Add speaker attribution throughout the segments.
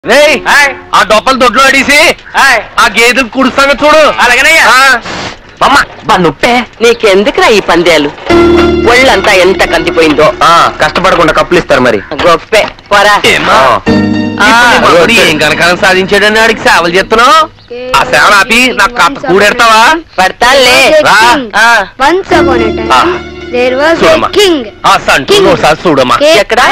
Speaker 1: ఆ డొప్పలు దొడ్లో అడిసి ఆ గేదెలు కుడుస్తాను చూడు. అలాగేనయ్యా.
Speaker 2: నుప్పే నీకెందుకురా ఈ పందేలు? ఒళ్ళంతా ఎంత కందిపోయిందో.
Speaker 3: కష్టపడకుండా కప్పులు ఇస్తారు మరి.
Speaker 2: గొప్పే పోరా.
Speaker 1: ఏం కనకాలం సాధించాడని ఆడికి సేవలు చేస్తున్నావు. ఆ సేవలు ఆపి నాకు కాస్త కూడెడతావా?
Speaker 2: పడతానులే.
Speaker 1: చూడమ్మా
Speaker 2: ఎక్కడ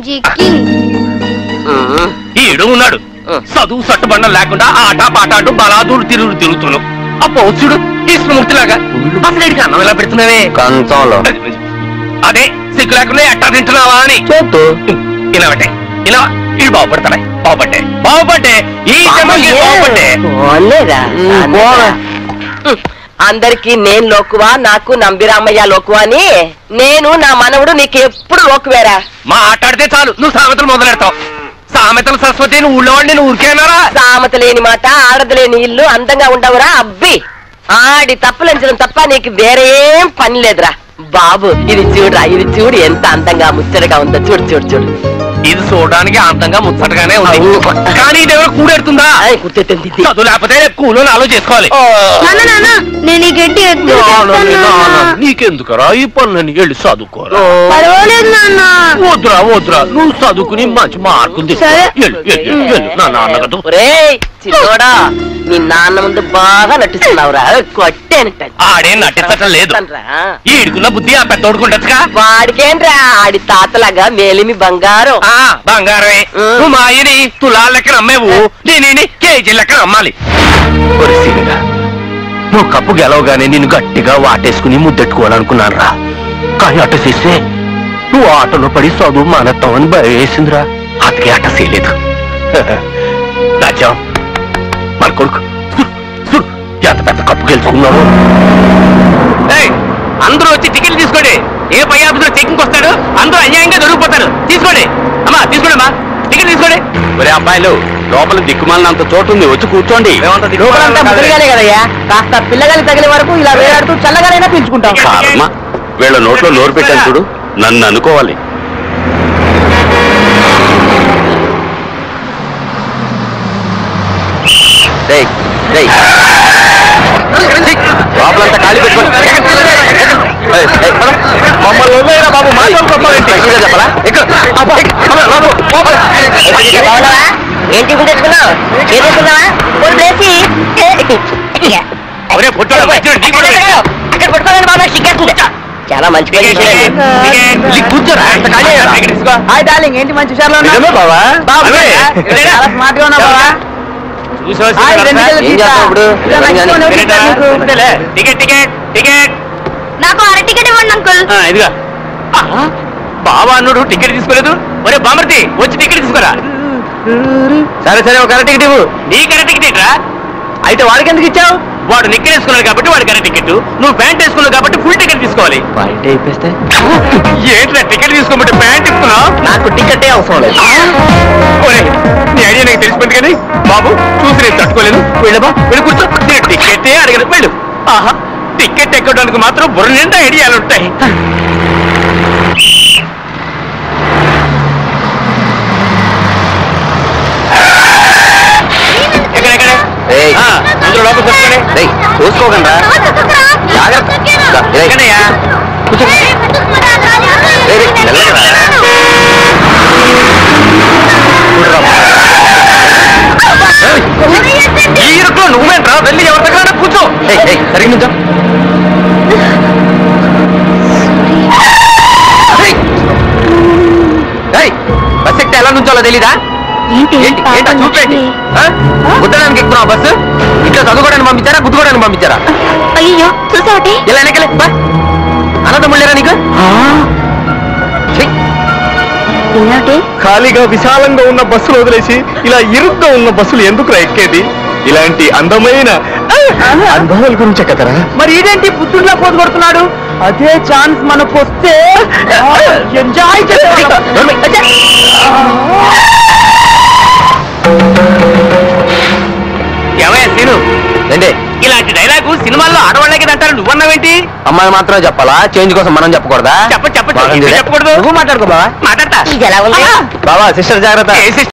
Speaker 1: ఈడు ఉన్నాడు. చదువు సట్టుబండ లేకుండా ఆట పాటాడు బలాదూరు తిరుగుతున్నావు. ఆ పౌచుడు కృష్ణమూర్తిలాగా అసలు ఇడికి అన్నం ఎలా పెడుతున్నావే?
Speaker 3: కంచంలో.
Speaker 1: అదే సిగ్గు లేకుండా ఎట్టా తింటున్నావా అని
Speaker 3: చేతు
Speaker 1: ఇలా పెట్టే. ఇలా ఇడు బాగుపడ్డే ఈ బాగుపడ్డే.
Speaker 2: అందరికి నేను లోకువా, నాకు నంబిరామయ్య లోకువా అని. నేను నా మనవుడు నీకు ఎప్పుడు లోకువేరా.
Speaker 1: మాట్లాడితే చాలు నువ్వు సామెతలు మొదలెడతావు. సామెతలు సరస్వతి నువ్వు ఊళ్ళో వాడిని నువ్వు ఊరికేనారా?
Speaker 2: సామెత లేని మాట, ఆడదు లేని ఇల్లు అందంగా ఉండవురా అబ్బి. ఆడి తప్పులంచడం తప్ప నీకు వేరేం పని లేదురా బాబు. ఇది చూడురా, ఇది చూడు ఎంత అందంగా ముచ్చటగా ఉందో. చూడు చూడు చూడు.
Speaker 1: ఇది చూడడానికి అందంగా ముచ్చటగానే ఉంది, కానీ ఇదేమో కూడెడుతుందా?
Speaker 2: కూర్చోతుంది.
Speaker 1: చదువు లేకపోతే కూలో ఆలో చేసుకోవాలి. నీకెందుకరా ఈ పనులని వెళ్ళి చదువుకోరా. వద్దురా నువ్వు చదువుకుని మంచి మార్కులు నా నాన్న కదా.
Speaker 2: చిన్నోడా నీ నాన్న ముందు బాగా నటిస్తున్నావురా. కొట్టేనట్టు
Speaker 1: ఆడేం నటించటం లేదు. ఈడుకున్న బుద్ధి ఆ పెద్ద ఓడుకుంటా.
Speaker 2: వాడికేంట్రా ఆడి తాతలాగా మేలిమి బంగారం.
Speaker 1: బంగారమే. నువ్వు మా ఆయని తులాల లెక్కన అమ్మేవు, నేను కేజీ లెక్కన అమ్మాలి. నువ్వు కప్పు గెలవగానే నిన్ను గట్టిగా వాటేసుకుని ముద్దెట్టుకోవాలనుకున్నాను రా. కానీ అట్ట చేస్తే నువ్వు ఆటలో పడి చదువు మానేస్తావని భయం వేసిందిరా. అతకే అట్ట చేయలేదు. రాజ్యం మన కొడుకు ఎంత పెద్ద కప్పు గెలుచుకున్నావు. అందరూ వచ్చి టికెట్లు తీసుకోండి. ఏ పై ఆఫీసులో చెక్కింగ్ వస్తాడు, అందరూ అన్యాయంగా దొరికిపోతారు. తీసుకోండి అమ్మా, తీసుకోండి అమ్మా, టికెట్ తీసుకోండి.
Speaker 3: ఒరే అబ్బాయిలు, లోపల దిక్కుమాలినంత చోటు ఉంది, వచ్చి కూర్చోండి.
Speaker 2: కదయ్యా, కాస్త పిల్లగాలి తగిలే వరకు ఇలా వేలాడుతూ చల్లగానైనా పీల్చుకుంటాం.
Speaker 3: వీళ్ళ నోట్లో నోరు పెట్టాను చూడు, నన్ను అనుకోవాలి. లోపలంతా ఖాళీ పెట్టుకోండి. మమ్మల్ని బాబు చెప్పాలా?
Speaker 2: ఏంటి తెచ్చుకున్నావు? చాలా మంచి
Speaker 1: కూర్చోరా.
Speaker 2: హాయ్ డార్లింగ్, ఏంటి మంచి విషయాలు
Speaker 3: బాబా?
Speaker 2: చాలా స్మార్ట్ గా ఉన్నావు బాబా.
Speaker 4: నాకు అర టికెట్ ఇవ్వండి అంకుల్.
Speaker 1: ఇదిగా బాబా అన్నుడు టికెట్ తీసుకోలేదు. ఒరే బామర్తి, వచ్చి టికెట్ తీసుకోరా.
Speaker 3: సరే ఒక అర టికెట్ ఇవ్వు.
Speaker 1: నీ కరెక్ట్ టికెట్ ఏంట్రా?
Speaker 3: అయితే వాడికి ఎందుకు ఇచ్చావు?
Speaker 1: వాడు నిక్కర్ వేసుకున్నాడు కాబట్టి వాడి కరెక్ట్ టికెట్, నువ్వు ప్యాంట్ వేసుకున్నావు కాబట్టి ఫుల్ టికెట్ తీసుకోవాలి.
Speaker 3: బయట అయిపోతే
Speaker 1: ఏంట్రా టికెట్ తీసుకోమంటే ప్యాంట్ ఇస్తున్నావు?
Speaker 3: నాకు టికెటే అవసరం లేదు.
Speaker 1: నీ ఐడియా నాకు తెలిసిపోయింది కానీ బాబు చూసి నేను తట్టుకోలేదు. వెళ్ళబా, వెళ్ళి కూర్చో. నేను టికెటే అడగను, వెళ్ళు. ఆహా, టికెట్ ఎక్కడానికి మాత్రం బుర్ర నిండా ఐడియాలు ఉంటాయి. అందరూ లోపల కూర్చోండి.
Speaker 3: చూసుకోకండి.
Speaker 1: ఈ ఇరుకులో నువ్వేంట్రా? వెళ్ళి ఎవరి దగ్గర కూర్చో.
Speaker 3: సరిగ్గా నుంచో. బస్ ఎక్కితే ఎలా నుంచోలో తెలీదా? ఏంటా చూపేంటి? గుద్దడానికి ఎక్కుతున్నావు బస్సు? ఇట్లా చదువుకోవడానికి పంపించారా, గుద్దుకోవడానికి పంపించారా?
Speaker 4: అయ్యో చూసావటే.
Speaker 3: ఇలా వెనకలే అన్నదమ్ముళ్ళేరా నీకు?
Speaker 5: ఖాళీగా విశాలంగా ఉన్న బస్సులు వదిలేసి ఇలా ఇరుగ్గా ఉన్న బస్సులు ఎందుకు ఎక్కేది? ఇలాంటి అందమైన అనుభవాల గురించే కదరా.
Speaker 2: మరి ఇదేంటి పుత్రుడిలా పోతు కొడుతున్నాడు? అదే ఛాన్స్ మనకు వస్తే ఎంజాయ్
Speaker 1: ఏమయ్యా సీను,
Speaker 3: ఏంటి
Speaker 1: ఇలాంటి డైలాగు సినిమాల్లో ఆడవాళ్ళకి అంటారు, నువ్వన్నావేంటి?
Speaker 3: అమ్మాయి మాత్రమే చెప్పాలా? చేంజ్ కోసం మనం చెప్పకూడదా?
Speaker 1: చెప్పకూడదు.
Speaker 3: నువ్వు మాట్లాడుకో బావా.
Speaker 1: మాట్లాడతా.
Speaker 2: ఇది ఎలా ఉంది
Speaker 3: బావా సిస్టర్ జాగ్రత్త.